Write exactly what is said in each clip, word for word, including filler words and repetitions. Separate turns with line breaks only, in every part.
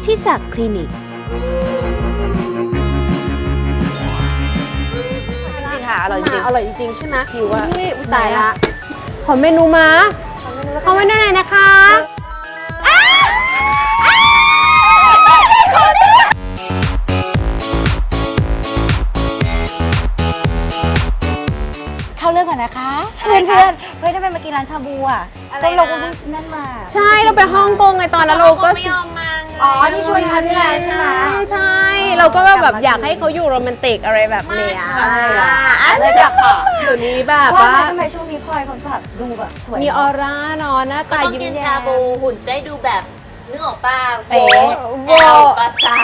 ธิศักดิ์คลินิก
จริงค่ะอร่อยจริง
อร่อยจริงๆใช่ไหม
หิวอ่ะ
นี่ตายละขอเมนูมาขอเมนูหน่อยนะคะ
เข้าเรื่องก่อนนะคะเพื่อนเพื่อนเฮ้ยทำไมมากินร้านชาบูอ่ะก็เราก็นั่นมา
ใช่เราไปฮ่องกงไงตอนนั้นเราก็
ไม่ยอมมา
อ๋อที่ชวนทันนี่แหละใช่ไหม
ใช่เราก็แบบอยากให้เขาอยู่โรแมนติกอะไรแบบเนี้ย
เลยกลับค่ะ
เดี๋ยวนี้แบบว่า
ทำไมช่วงนี้พลอยเขาแบบดูแบบสวย
มีออร่าเนาะหน้าตายิ้มแย้ม
กินชาบูหุ่นได้ดูแบบนึกออกป่ะโบ
โบ
ปาซา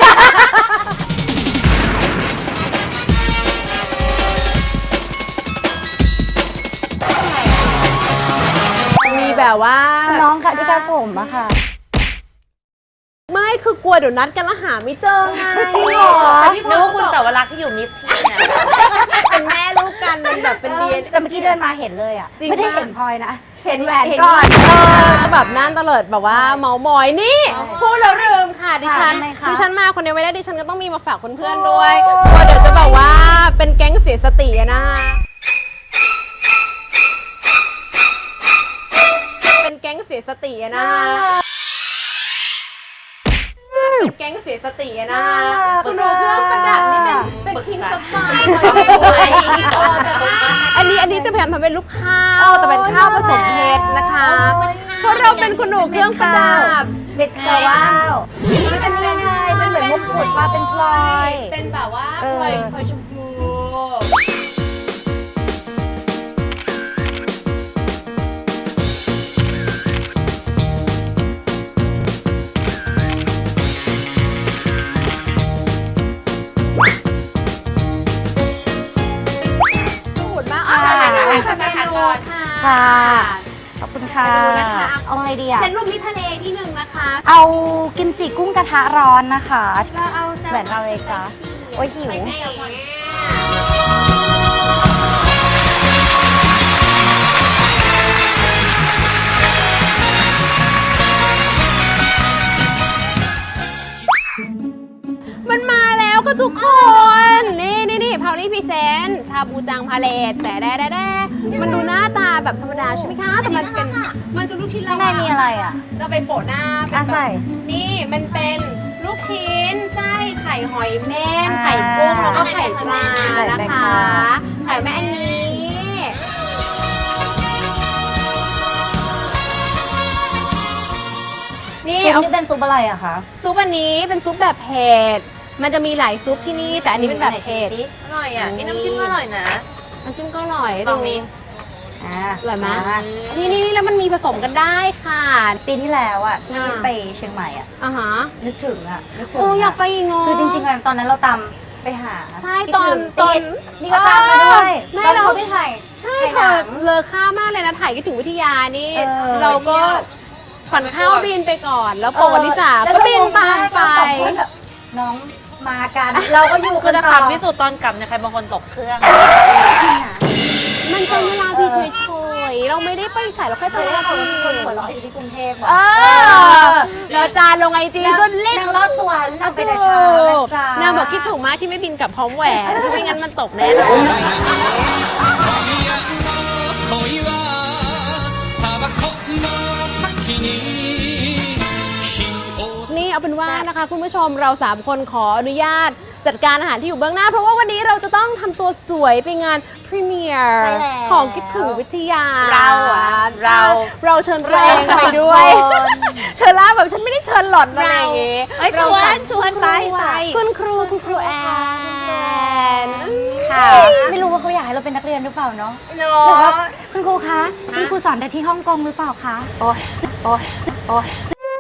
มีแบบว่า
น้องค่ะที่การผมอะค่ะ
ไม่คือกลัวเดี๋ยวนัดกันแล้วหาไม่เจอไง
จริงเหรอ
แต่พี่นึกว่าคุณสาวรักษ์ที่อยู่มิสทีน
เป็นแม่ลูกกันเป็นแบบเป็นเดียน
แต่เมื่อกี้เดินมาเห็นเลยอะไม่ได้เห็นพลอยนะเห็นแหวน
ก่
อน
ก็แบบนั่นตลอดแบบว่าเมามอยนี่พูดแล้วลืมค่ะดิฉันดิฉันมาคนเดียวไม่ได้ดิฉันก็ต้องมีมาฝากเพื่อนๆด้วยกลัวเดี๋ยวจะแบบว่าเป็นแก๊งเสียสตินะคะเป็นแก๊งเสียสตินะคะแก๊งเสียสตินะคะคุณดูเครื่องประดับนี่เป็นเป็นพิงค์ซัฟไฟร์อันนี้อันนี้จะพยายามทำเป็นลูกข้าวแต่เป็นข้าวผสมเพชรนะคะเพราะเราเป็นคุณหนูเครื่องประดับ
เบ็ดกระว่าวนี่เป็นยังไงมันเหมือนมุกขุดมาเป็นพลอย
เป็นแบบว่าพลอยพลอยชมพู
ค่ะขอบคุณค่ะเอาอะไรดีอ่ะ
เซตรูปมิทะเลที่หนึ่งนะคะ
เอากิมจิกุ้งกระทะร้อนนะคะเราเอาเหมือนเราเลยจ้ะโอ้ยหิว
มันมาแล้วค่ะทุกคนนี่นี่นี่พาวลี่พรีเซนต์ชาบูจังพาเลตแต่แด่แด่มันดูหน้าตาแบบธรรมดาใช่ไหมคะแต่มันเป็นมันคือลูกชิ้น
ข้างในมีอะไรอ่ะ
จะไปโปะหน้า
เป็นใส่
นี่มันเป็นลูกชิ้นไส้ไข่หอยเม่นไข่กุ้งแล้วก็ไข่ปลานะคะไข่แม่อันนี้
นี่เอานี่เป็นซุปอะไรอะคะ
ซุปอันนี้เป็นซุปแบบเผ็ดมันจะมีหลายซุปที่นี่แต่อันนี้เป็นแบบเผ็ด
อร่อยอ่ะนี่น้ำจิ้มก็อร่อยนะ
น้ำจิ้มก็อร่อย
ตรงนี้
อ่าอร่อยไหมนี่นี่แล้วมันมีผสมกันได้ค่ะ
ปีที่แล้วอ่ะที่ไปเชียงใหม่อ่ะ
อ่าฮะ
นึกถึงอ่ะนึกถึง
โอ้อยากไปอีกเนาะ
คือจริงๆตอนนั้นเราตำไปหา
ใช่ตอนตอน
นี่ก็ตามมาด้วยไม่เราไปถ่าย
ใช่ค่ะเลอค่ามากเลยนะถ่ายก็ถึงวิทยานี่เราก็ขวัญข้าวบินไปก่อนแล้วโปวลิสาก็บินตามไป
น้องมากันเราก็อยู่
คือจะขับที่สุดตอนกลับเนี่ยใครบางคนตกเครื่อง
มันเป็นเวลาพี่เฉยๆเราไม่ได้ไปใส่เราแค่จะว่า
คนคนหัวเราะอยู่ที่กรุงเทพ
เออเราจานลงไอจีจนเล่น
รอดตัวเราไปแต่เช้าน
างบอกคิดถูกมากที่ไม่บินกลับพร้อมแหวนไม่งั้นมันตกแน่นอนนี่เอาเป็นว่านะคะคุณผู้ชมเราสามคนขออนุญาตจัดการอาหารที่อยู่เบื้องหน้าเพราะว่าวันนี้เราจะต้องทำตัวสวยไปงานพรีเมียร์ของคิดถึงวิทยา
เราอ่ะเรา
เราเชิญตัวเองไปด้วยเชิญล่าแบบฉันไม่ได้เชิญหล่อนอะไรอย่างงี้
ชวนชวนไปไป
คุณครูคุณครูแอน
ค่ะไม่รู้ว่าเขาอยากให้เราเป็นนักเรียนหรือเปล่าเนาะ
เนาะ
คุณครูคะคุณครูสอนแต่ที่ฮ่องกงหรือเปล่าคะ
โอ้ยโอ้ยโอ้ย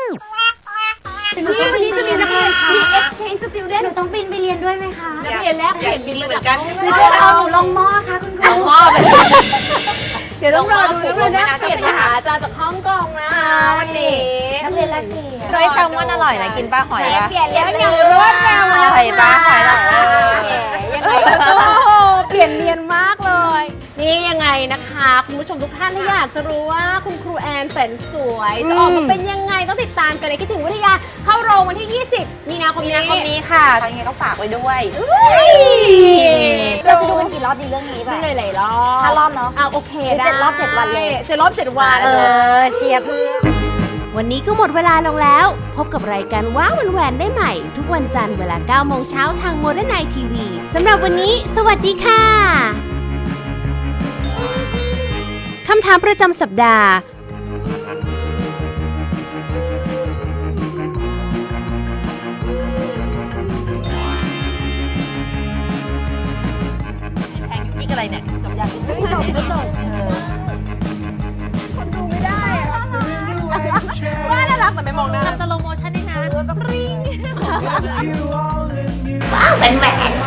นี่วันนี้จะมีนักเรียนมี exchange student
หนูต้องบินไปเรียนด้วยไหมคะ
นักเรียนแลกเปลี่ยนบิน
เหมือนกัน
หรือจะเอาหนูลงหม้อคะคุณครู
หม้อ
เดี๋ยวต้องรอดูนักเรียนแลกเปลี่ยนมาหาอาจารย์จากฮ่องกงนะวันนี้
นักเรียนแลกเปลี่ยน
เคยแซลมอนอร่อยนะกินป้าหอย
ป่ะเปลี่ยนเรียนอย่างรวดเร็ว
หอยป้าหอย
ยังไงก็เปลี่ยนเนียนมากเลยนี่ยังไงนะคะนะคะคุณผู้ชมทุกท่านถ้าอยากจะรู้ว่าคุณครูแอนแสนสวยจะออกมาเป็นยังไงต้องติดตามกันในคิดถึงวิทยาเข้าโรงวันที่ ยี่สิบ มีนาคม
มี
นี้
นาคมนี้ค่ะยังไงก็ฝากไว้ด้วย
เราจะดูกันกี่รอบดีเรื่องนี้ไป
ดูหลายๆรอบ
ห้ารอบเนอะ
อ่ะโอเค
หรือ
ได้
เจ็ดรอบเจ็ดวันเลย
เจ็ดรอบเจ็ดวัน
เออเชียร์เพื่อน
วันนี้ก็หมดเวลาลงแล้ว พบกับรายการว้าววันแหวนได้ใหม่ ทุกวันจันทร์เวลาเก้าโมงเช้าทางโมเดิร์นไนทีวีสำหรับวันนี้ สวัสดีค่ะคำถามประจำสัปดาห์
แพงอยู่อีกอะไรเนี่ยจบยัง
ไม่จบไม่จบ
ว่าน่ารักแต่ไม่มองหน้า
ทำสโลโมชั่นได้นะ
ว้าวแหวนแหวน